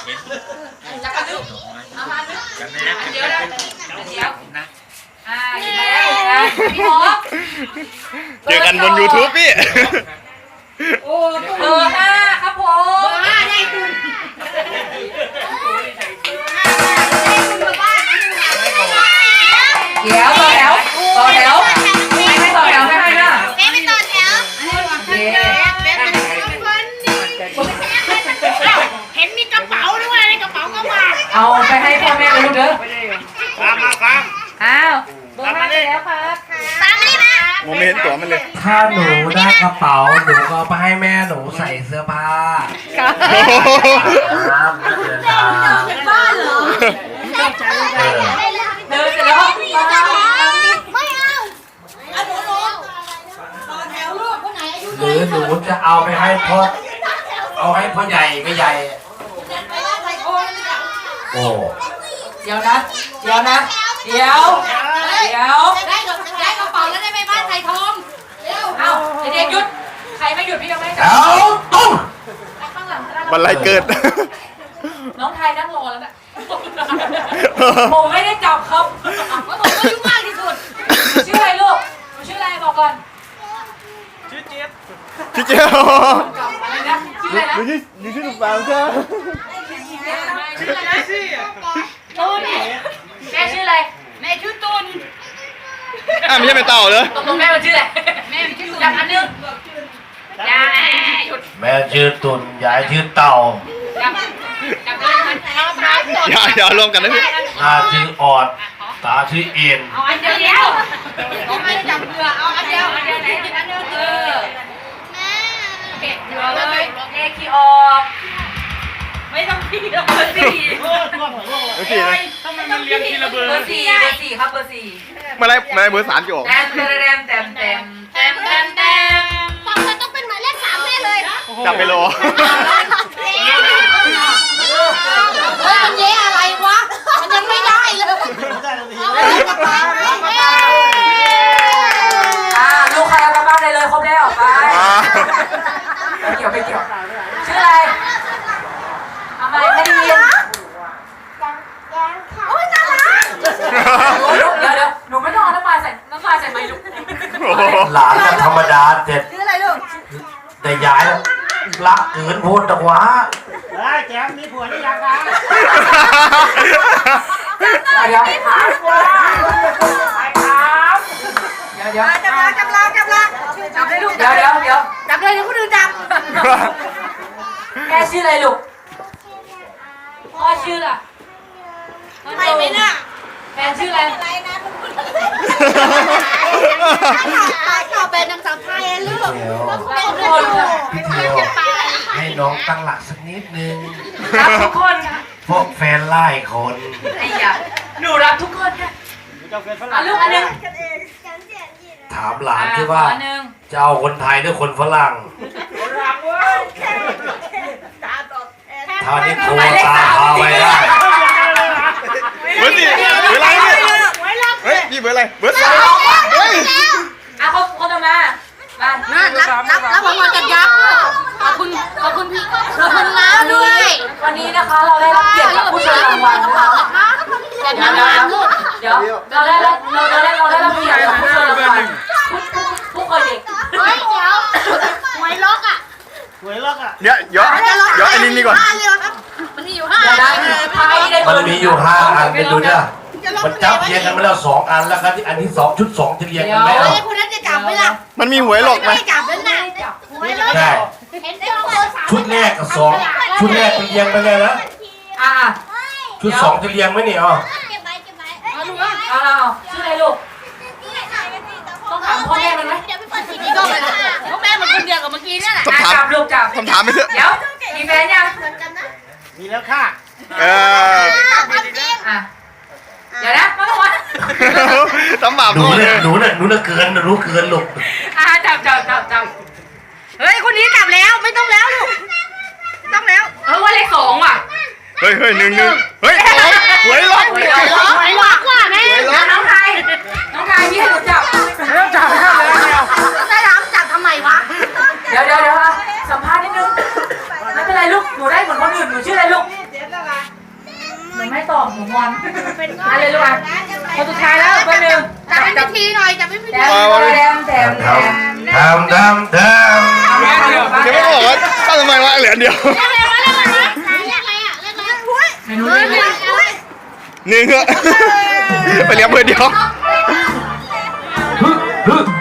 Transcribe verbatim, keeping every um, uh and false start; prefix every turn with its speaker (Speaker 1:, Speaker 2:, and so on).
Speaker 1: จับกันลูกเอามาลูกเดี๋ยวนะเดี๋ยวนะอ่าอยู่ไหนพี่หมอ
Speaker 2: เจอกันบน ยูทูบ พี่
Speaker 1: โอ้เบอร์ห้าครับผมเบอร์ห้าได้คุณเดี๋ยวต่อแถวต่อแถวไม่ไม่ต่อแถวไม่ให้นะไม่ไม่ต่อแถว
Speaker 3: เห็นมีกระเป๋าด้วยในกระเป๋าก็มา
Speaker 1: เอาไปให้พ่อแม่ลูกเด้อ
Speaker 2: ตามมาครับ
Speaker 1: อ้าวเบอร์ห้าได้แล้วครับ
Speaker 3: ตามมาดิมา
Speaker 2: โมเมนต์ตัวมันเลย
Speaker 4: ถ้าหนูได้กระเป๋าหนูก็ไปให้แม่หนูใส่เสื้อผ้าครับเดินทาง
Speaker 3: เป็นบ้านเหรอ
Speaker 1: เดินเสร็จแล้ว
Speaker 3: ไม่เอาเอาหนูหนูต่อแถวลูกคนไหนอายุ
Speaker 4: หรือหนูจะเอาไปให้พ่อเอาให้พ่อใหญ่ไม่ใหญ่โอ้
Speaker 1: เดี๋ยวนะเดี๋ยวนะเดี๋ยวเดี๋ยว
Speaker 3: ได้ได้กระเป๋าแล้วได้ไปบ้านไทยทอง
Speaker 1: เอาเด็กหยุดใครไม่หยุดพี่ยังไม่
Speaker 4: เอาตุ้ง
Speaker 2: บันไลเกิด
Speaker 1: น้องไทยนั่งรอแล้วนะผมไม่ได้จับครับ
Speaker 3: ว่าผมก็ยุ่งมากที่สุด
Speaker 1: ชื่ออะไรลูกชื่ออะไรบอกก่อน
Speaker 2: ชื่อเจี๊ยบชื่อเจี๊ยบ
Speaker 1: อะไรนะชื่ออะไรนะ
Speaker 2: อยู่ที่อยู่ที่ลูกสาวใช่ไหม
Speaker 1: ชื่ออะไรนะตูนแม่ชื่ออะไร
Speaker 3: แม่ชื่อตุน
Speaker 2: อ่ะไม่ใช่เป็นเต่าเลย
Speaker 1: ตกลงแม่มันชื่ออะไรแม่ชื่อตุนจับอันนึงยายหยุด
Speaker 4: แม่ชื่อตุนยายชื่อเต่า
Speaker 1: จับจับเลยมันเอาพายสด
Speaker 2: อย่าอย่ารวมกันนะพี่
Speaker 4: ตาชื่อออดตาชื่อเอ็น
Speaker 1: เอาอันเดียวเดียวเอาไม่จับเรือเอาอันเดียวอันเดียวไหนอันเดียวเออเก็บเรือเลยเลขที่ออกไม่ต้องพี่เบอร์สี่
Speaker 2: เบอร์สี่เลย
Speaker 1: ทำไมมันเรียงทีละเบอร์เบอร์สี่เบอร์สี่ครับเบอร์สี่
Speaker 2: เมื่อไรเมื่อไรเบอร์สามจะออก
Speaker 1: แต้มแต้มแต้มแต้มแต้มแต้มแต้ม
Speaker 3: ฟังเธอต้องเป็นหมายเลขสามแน่เลย
Speaker 2: จับไปรอ
Speaker 3: เฮ้ยมันเย่อะไรวะมันยังไม่ได้เลย
Speaker 1: อ่าลูกใครเอากลับบ้านได้เลยครบแล้วไปไม่เกี่ยวไม่เกี่ยวชื่ออะไรทำไมไม่ได้ยิน
Speaker 3: โอ้ยน่ารัก
Speaker 1: เดี๋ยวเดี๋ยวหนูไม่ต้องเอาน้ำลายใส่น้ำลายใส่ไมลูก
Speaker 4: หลานก็ธรรมดาเด็ด
Speaker 3: ชื่ออะไรลูก
Speaker 4: แต่ยายรักเกินพูดตะวะ
Speaker 5: เฮ้ยแจ๊บมีผัวหรือยังคะ
Speaker 1: เดี๋ยวไปครับไปครับเดี๋ยวเดี๋ยว
Speaker 3: จับลาจับลาจับลาจับเลยลูก
Speaker 1: เดี๋ยวเดี๋ยวเดี๋ยว
Speaker 3: จับเลยเดี๋ยวคนอื่นจับ
Speaker 1: แม่ชื่ออะไรลูกพ่อชื่ออะไร
Speaker 3: ไม่ไม่น่ะ
Speaker 1: แฟนชื่ออะไร
Speaker 3: อะไรนะตอบเป็นนางสาวไทยลูก
Speaker 1: ทุกคน
Speaker 4: ให้น้องตั้งหลักสักนิดนึง
Speaker 1: รักทุกคนค่ะ
Speaker 4: พวกแฟนไล่คน
Speaker 1: ไอ้ยาหนูรักทุกคนค่ะเอาลูกอันนึง
Speaker 4: ถามหลานที่ว่าจะเอาคนไทยหรือคนฝรั่งท่านี้โทรตามพาไปได้
Speaker 2: เบอร์สี่เบอร์อะไรเนี่ยเฮ้ยพี่เบอร์อะไรเบอร์สามเฮ้ย
Speaker 1: อ่ะเขาเขาจะมามา
Speaker 3: รับรับรับรางวัลกันยักษ์ขอบคุณขอบคุณพี่ขอบคุณน้าด้วย
Speaker 1: วันนี้นะคะเราได้รับเกียรติจากผู้เชิญรางวัลนะคะเดี๋ยวเดี๋ยวเดี๋ยวเราได้เราได้เราได้รับเกียรติจากผู้เชิญรางวัลผู้เคยเด็ก
Speaker 3: เฮ้ยเดี๋ยวหวยล็อกอ่ะ
Speaker 5: หวยล็อกอ่ะ
Speaker 2: เดี๋ยวเดี๋ยวเดี๋ยวไอ้นี่นี่ก่อน
Speaker 3: มันมีอยู่ห้า
Speaker 4: มันมีอยู่ห้าอันเป็นดูเนี่ยมันจับเรียงกันมาแล้วสองอันแล้วครับที่อันที่สองชุดสองจะเรียงกันแล้ว
Speaker 3: คนนั้นจะจับไหมล่ะ
Speaker 2: มันมีหวยหลอกไหม
Speaker 3: ไม่จับแล้วนะหวยล็อก
Speaker 4: ใช่ชุดแรกกับสองชุดแรกเป็นเรียงไปเลยนะ
Speaker 1: อ่า
Speaker 4: ชุดสองจะเรียงไหมเนี่ยอ๋อ
Speaker 3: เก็บไว้เก็บไว้
Speaker 1: เอาลูกเอาเอาชื่ออะไรลูกต้องถามพ่อแม่มันไหม
Speaker 3: เดี๋ยวไปเปิดทีวีก็เลยพ่อแม่มันคนเดียวกับเมื่อกี้นี่แหละ
Speaker 1: จับลูกจับ
Speaker 2: คำถามไม่เถอะ
Speaker 1: เดี๋ยวมีแฟนยัง
Speaker 5: มีแล้วค่ะ
Speaker 2: เออ
Speaker 1: อ่ะเดี๋ยวนะมาก่อน
Speaker 2: ตำบาป
Speaker 4: หนูเนี่ยหนูเนี่ยหนูเนี่ยเกินรู้เกินลูก
Speaker 1: อ่ะจับจับจับจับ
Speaker 3: เฮ้ยคนนี้จับแล้วไม่ต้องแล้วลูกต้องแล้ว
Speaker 1: เออว่าเลขสองว่ะ
Speaker 2: เฮ้ยเฮ้ยหนึ่งหนึ่งเฮ้ยหวยล็อกหวยล็อก
Speaker 3: หวยล็อกว่ะแม่
Speaker 1: น้องไทยน้องไทยพี่ให้หนูจับ
Speaker 5: ไม่ต้องจับให้เลยเดียว
Speaker 3: ได้รับจับทำไมวะ
Speaker 1: เดี๋ยวเดี๋ยวเดี๋ยวสัมภาษณ์นิดนึงไม่เป็นไรลูกหนูได้เหมือนคนอื่นหนูชื่ออะไรลูกหมูงอนอะไรลูกอ่ะคนสุดท้ายแล้วคนหนึ่ง
Speaker 3: จับเป็นพิธีหน่อยจับเป็นพิ
Speaker 1: แถ
Speaker 3: ธี
Speaker 1: มแถมแถมแถม
Speaker 4: ทำทำทำ
Speaker 2: เดี๋ยวไม่บอกว่าตั้งทำไมวะเหลือเดียว
Speaker 3: เรียกอะไรวะเรียกอะไรวะเรียกอะไรอ่ะเรียกอะไรหุ้ย
Speaker 1: เมนูนี้
Speaker 2: หนึ่งอะไปเลี้ยงเพื่อนเดียว
Speaker 4: ฮึฮึ